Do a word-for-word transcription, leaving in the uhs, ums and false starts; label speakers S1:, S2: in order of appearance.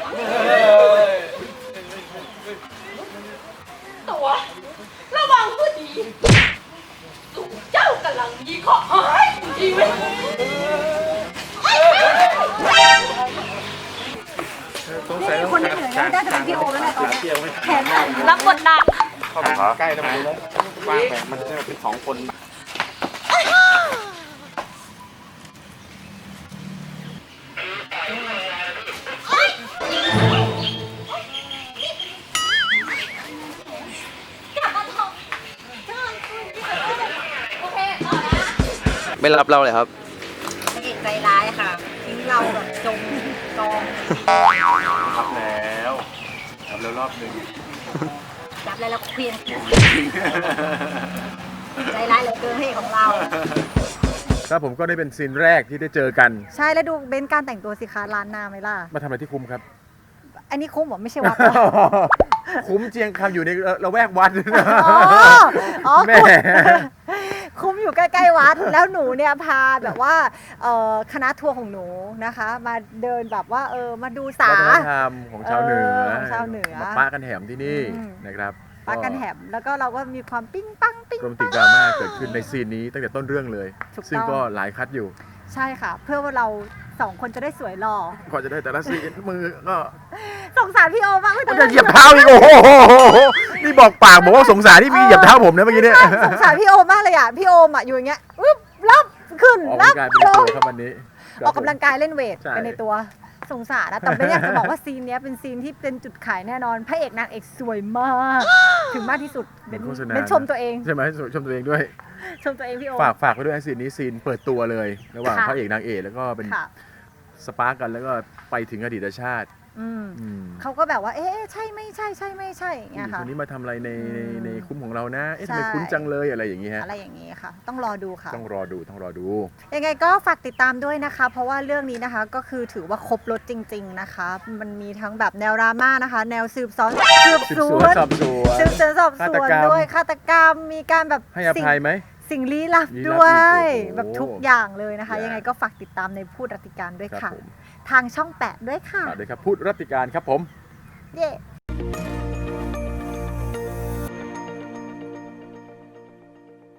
S1: ตัวระวังก็ดีสุเจ้ากำลังยีข้อหายชีวิต
S2: นี่คนที่เหนื่อยแล้วได้แต่เป็นพี่โอแล้วแหละตอนนี้แขนสั่น
S1: รับบทหนัก
S3: เข้าไปใกล้แล้วมันวางแผนมันจะเป็นสองคนไม่รับเราเลยครับ
S2: นางเอกใจร้ายค่ะทิ้งเราแบบจมกอง
S3: รับแล้วรับแล้วรอบหนึ่ง
S2: รับแล้วแล้วเคลียร์ใจร้ายเหลือเกินให้ของเรา
S4: ครับผมก็ได้เป็นซีนแรกที่ได้เจอกัน
S2: ใช่แล้วดูเบนซ์การแต่งตัวสิคะร้านนาไหมล่ะ
S4: มาทำอะไรที่คุ้มครับ
S2: อันนี้คุ้มเหรอไม่ใช่วัด
S4: คุ้มเจียงคำอยู่ในละแวกวัด
S2: อ๋ออ๋อ
S4: แม่
S2: คุ้มอยู่ใกล้ๆวัดแล้วหนูเนี่ยพาแบบว่าเอ่อคณะทัวร์ของหนูนะคะ มาเดินแบบว่าเออมาดูสา
S4: วัฒนธรรมของชาวเหนือ
S2: เออของชาวเหนือ
S4: มาป้ากันแหมที่นี่
S2: อืม
S4: นะครับ
S2: ปากันแหมแล้วก็เราก็มีความปิ้งปังปิ้ง
S4: โรแมนติ
S2: ปั
S4: ก
S2: ง
S4: ดราม่าเกิดขึ้นในซีนนี้ตั้งแต่ต้นเรื่องเลย
S2: ถูกต้อง
S4: ซึ่งก็หลายคัดอยู่
S2: ใช่ค่ะ เพื่อว่าเราสองคนจะได้สวยหล่อ
S4: ก่อนจะได้แต่ละซีนมือก็
S2: สงสารพี่โอมากเลย
S4: จะเหยียบเท้าอีกโอ้โหนี่บอกปากบอกว่าสงสารที่มีเหยียบเท้าผมนะเมื่อกี้เนี่ย
S2: สงสารพี่โอมมากเลยอ่ะพี่โอมอ่ะอยู่อย่างเงี้ยอึ๊บรับขึ้น
S4: ออก
S2: รั
S4: กำลั
S2: บ
S4: งกายเป็น
S2: ล
S4: ตัว
S2: ง
S4: ครับวันนี้
S2: ออกกำลังกายเล่นเวท
S4: ใช่
S2: เป็นในตัวสงสารนะแต่ไม่อยากจะบอกว่าซีนเนี้ยเป็นซีนที่เป็นจุดขายแน่นอนพระเอกนางเอกสวยมาก ถึงมากที่สุด
S4: เหมื
S2: เป็
S4: อน นโฆษณา
S2: เป็นชมตัวเอง
S4: ใช่ไหมชมตัวเองด้วย
S2: ชมตัวเองพี่โอม
S4: ฝากฝากไว้ด้วยไอ้ซีนนี้ซีนเปิดตัวเลย ระหว่าง
S2: ค่ะ
S4: พระเอกนางเอกแล้วก็เป็น
S2: ค่ะ
S4: สปาร์กกันแล้วก็ไปถึงอดีตชาติ
S2: อืม
S4: อืม
S2: เขาก็แบบว่าเอ๊ะใช่ไม่ใช่ใช่ไม่ใช่อย่าง
S4: ผู้ห
S2: เงี้
S4: ญิ
S2: ย
S4: ง
S2: ค่ะ
S4: คนนี้มาทำอะไรในใน
S2: อืม
S4: ในคุ้มของเรานะ เอ๊ะ
S2: ใช่
S4: ทำไมคุ้นจังเลยอะไรอย่างงี้ฮะ
S2: อะไรอย่างนี้ค่ะ ต้องรอดูค่ะ
S4: ต้องรอดูต้องรอดู
S2: ยังไงก็ฝากติดตามด้วยนะคะ เพราะว่าเรื่องนี้นะคะก็คือถือว่าครบรถจริง ๆนะคะ มันมีทั้งแบบแนวดราม่านะคะ แนวสืบสวนสืบ
S4: สืบ
S2: ส
S4: ส
S2: ว
S4: วน
S2: น
S4: สอบสวน
S2: สืบสวนสอบส
S4: ฆาต
S2: วน
S4: กรรม
S2: ด้วยฆาตกรรมมีการแบบ
S4: ให้อภัยไหม
S2: สิ่งลี้ลับ
S4: ลี้ลับ
S2: ด้วย
S4: อีกโอ้โห
S2: แบบทุกอย่างเลยนะคะ
S4: อย่าง
S2: ยังไงก็ฝากติดตามในพูดรัติการด้วย
S4: ครับ
S2: ค่ะ
S4: ผม
S2: ทางช่องแปดด้วยค่ะ
S4: ฝากด้วยครับพูดรัติการครับผม
S2: เย้